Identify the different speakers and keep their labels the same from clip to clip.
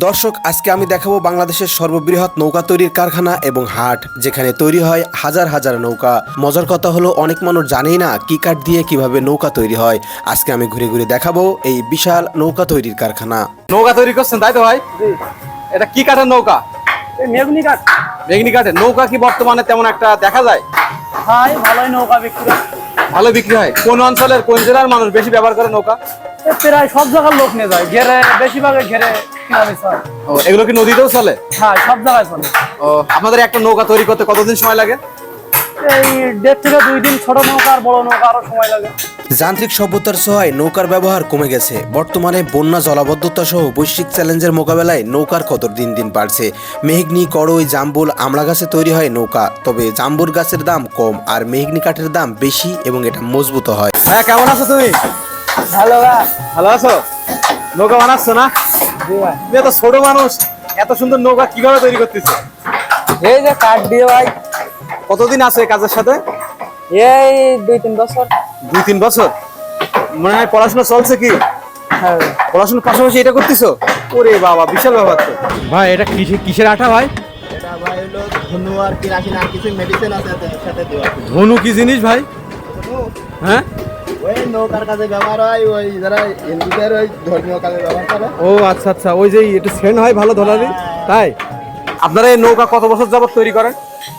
Speaker 1: দর্শক, আজকে আমি দেখাবো বাংলাদেশের সর্ববৃহৎ নৌকা তৈরির কারখানা এবং হাট, যেখানে তৈরি হয় হাজার হাজার নৌকা। মজার কথা হলো, অনেক মানুষ জানেই না কি কাঠ দিয়ে কিভাবে নৌকা তৈরি হয়। আজকে আমি ঘুরে ঘুরে দেখাবো এই বিশাল নৌকা তৈরির কারখানা।
Speaker 2: নৌকা তৈরি করছেন তাই তো ভাই? এটা কি কাঠের নৌকা?
Speaker 3: মেঘনি কাঠ।
Speaker 2: মেঘনি কাঠের নৌকা কি বর্তমানে তেমন একটা দেখা যায়?
Speaker 3: হয়, ভালোই নৌকা বিক্রি হয়।
Speaker 2: ভালো বিক্রি হয়। কোন অঞ্চলের কোন জেলার মানুষ বেশি ব্যবহার করে নৌকা?
Speaker 3: প্রায় সব জায়গার লোক নিয়ে যায়, ঘেরে বেশিরভাগে ঘেরে কিনা বেচা হয়।
Speaker 2: ও, এগুলো কি নদীতেও চলে?
Speaker 3: হ্যাঁ, সব জায়গায় চলে।
Speaker 2: ও, আপনাদের একটা নৌকা তৈরি করতে কতদিন সময় লাগে?
Speaker 3: এই 1.5 থেকে 2 দিন। ছোট নৌকা আর বড় নৌকা আরো সময় লাগে।
Speaker 1: যান্ত্রিক সভ্যতার ছোঁয়ায় নৌকার ব্যবহার কমে গেছে। বর্তমানে বন্যা, জলাবদ্ধতা সহ বৈশ্বিক চ্যালেঞ্জের মোকাবেলায় নৌকার কদর দিন দিন বাড়ছে। মেহগনি, কড়ই, জাম্বুল, আমড়া গাছে তৈরি হয় নৌকা। তবে জাম্বুর গাছের দাম কম আর মেহগনি কাঠের দাম বেশি এবং এটা মজবুত হয়।
Speaker 2: হ্যাঁ, কেমন আছো তুমি?
Speaker 3: ভালো ভাই।
Speaker 2: ভালো আছো? নৌকা বানাচ্ছ না?
Speaker 3: জি ভাই।
Speaker 2: তুমি এত ছোট মানুষ, এত সুন্দর নৌকা কিভাবে তৈরি করতেছো?
Speaker 3: এই যে কাঠ দিয়ে ভাই।
Speaker 2: কতদিন আছে এই কাজের সাথে?
Speaker 3: এই 2-3 বছর।
Speaker 2: 2-3 বছর। মনে হয় পড়াশোনা চলছে কি?
Speaker 3: হ্যাঁ,
Speaker 2: পড়াশোনার পাশাপাশি এটা করতেছো? ওরে বাবা, বিশাল ব্যাপার তো। ভাই, এটা কিসের আঠা ভাই?
Speaker 4: এটা ভাই হলো ধনু আর কেরাসিন আর কিছু মেডিসিন আছে এর সাথে দেওয়া।
Speaker 2: ধনু কি জিনিস ভাই? হ্যাঁ,
Speaker 4: ওই নৌকার কাজে ব্যবহার হয়, ওই যারা হিন্দুদের ওই ধর্মীয় কাজে ব্যবহার করে।
Speaker 2: ও আচ্ছা আচ্ছা, ওই যে একটু সেন্ট হয় ভালো ধরালি, তাই? আপনারা এই নৌকা কত বছর যাবত তৈরি করেন?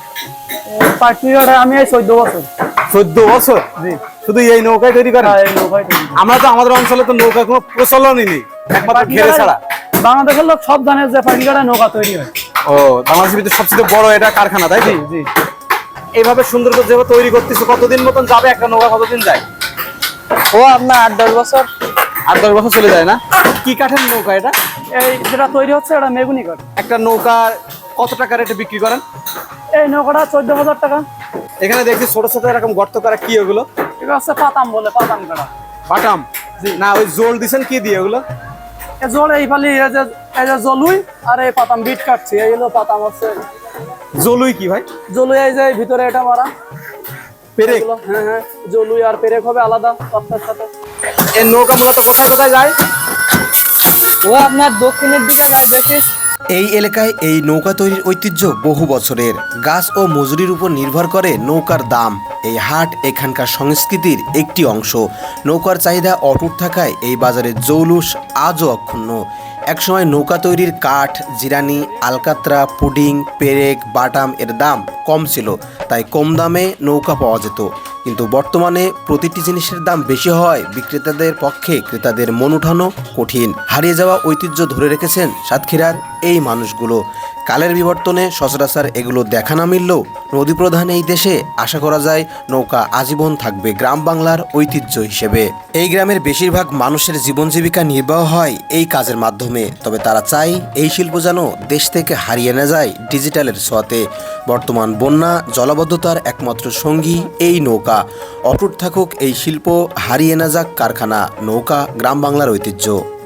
Speaker 3: পার্টিকুলার আমি এই 14 বছর।
Speaker 2: 14 বছর?
Speaker 3: জি।
Speaker 2: শুধু এই নৌকায় তৈরি করেন?
Speaker 3: হ্যাঁ, এই নৌকায় তৈরি।
Speaker 2: আমরা তো আমাদের অঞ্চলে তো নৌকা কোনো প্রচলনই নেই, একমাত্র ঘেরে ছাড়া।
Speaker 3: বাংলাদেশের লোক সব জানে যে পার্টিকুলার নৌকা তৈরি হয়।
Speaker 2: ও, বাংলাদেশের ভিতরে সবচেয়ে বড় এটা কারখানা, তাই তো?
Speaker 3: জি।
Speaker 2: এইভাবে সুন্দর করে যেভাবে তৈরি করতেছো, কতদিন মতন যাবে একটা নৌকা? কতদিন যায়?
Speaker 3: ও আপনার 8-10 বছর।
Speaker 2: 8-10 বছর চলে যায় না? কি কাঠের নৌকা এটা?
Speaker 3: এই যেটা তৈরি হচ্ছে এটা মেগুনি কাঠ।
Speaker 2: একটা নৌকার কত টাকা রেটে বিক্রি করেন?
Speaker 3: এই নৌকাটা 14,000 টাকা।
Speaker 2: এখানে দেখছি ছোট ছোট এরকম গর্ত করা, কি ওগুলো?
Speaker 3: এটা হচ্ছে পাতাম বলে, পাতাম কাটা।
Speaker 2: বাটাম? না, ওই জোল দিছেন কি দিয়ে ওগুলো?
Speaker 3: এই জল এই ফালি এই যে জলুই আর এই পাতাম বিট কাটছি, এই হলো পাতাম হচ্ছে।
Speaker 2: জলুই কি ভাই?
Speaker 3: জলুই এই যে ভিতরে এটা মারা
Speaker 2: পেরেক?
Speaker 3: এগুলো। হ্যাঁ, জলুই আর পেরেক হবে আলাদা পাতার সাথে।
Speaker 2: এই নৌকা মূলত কোথায় কোথায় যায়?
Speaker 3: ও আপনার দক্ষিণের দিকে যায় বেশি।
Speaker 1: এই এলাকায় এই নৌকা তৈরির ঐতিহ্য বহু বছরের। গাছ ও মজুরির উপর নির্ভর করে নৌকার দাম। এই হাট এখানকার সংস্কৃতির একটি অংশ। নৌকার চাহিদা অটুট থাকায় এই বাজারের জৌলুস আজও অক্ষুণ্ণ। একসময় নৌকা তৈরির কাঠ, জিরানি, আলকাত্রা, পুডিং, পেরেক, বাটাম এর দাম কম ছিল, তাই কম দামে নৌকা পাওয়া যেত। কিন্তু বর্তমানে প্রতিটি জিনিসের দাম বেশি হওয়ায় বিক্রেতাদের পক্ষে ক্রেতাদের মন উঠানো কঠিন। হারিয়ে যাওয়া ঐতিহ্য ধরে রেখেছেন সাতক্ষীরার এই মানুষগুলো। কালের বিবর্তনে সচরাচর এগুলো দেখা না মিললেও নদীপ্রধান এই দেশে আশা করা যায় নৌকা আজীবন থাকবে গ্রাম বাংলার ঐতিহ্য হিসেবে। এই গ্রামের বেশিরভাগ মানুষের জীবন জীবিকা নির্বাহ হয় এই কাজের মাধ্যমে। তবে তারা চায় এই শিল্প যেন দেশ থেকে হারিয়ে না যায় ডিজিটালের ছোঁয়াতে। বর্তমান বন্যা, জলাবদ্ধতার একমাত্র সঙ্গী এই নৌকা। অটুট থাকুক এই শিল্প, হারিয়ে না যাক কারখানা। নৌকা গ্রাম বাংলার ঐতিহ্য।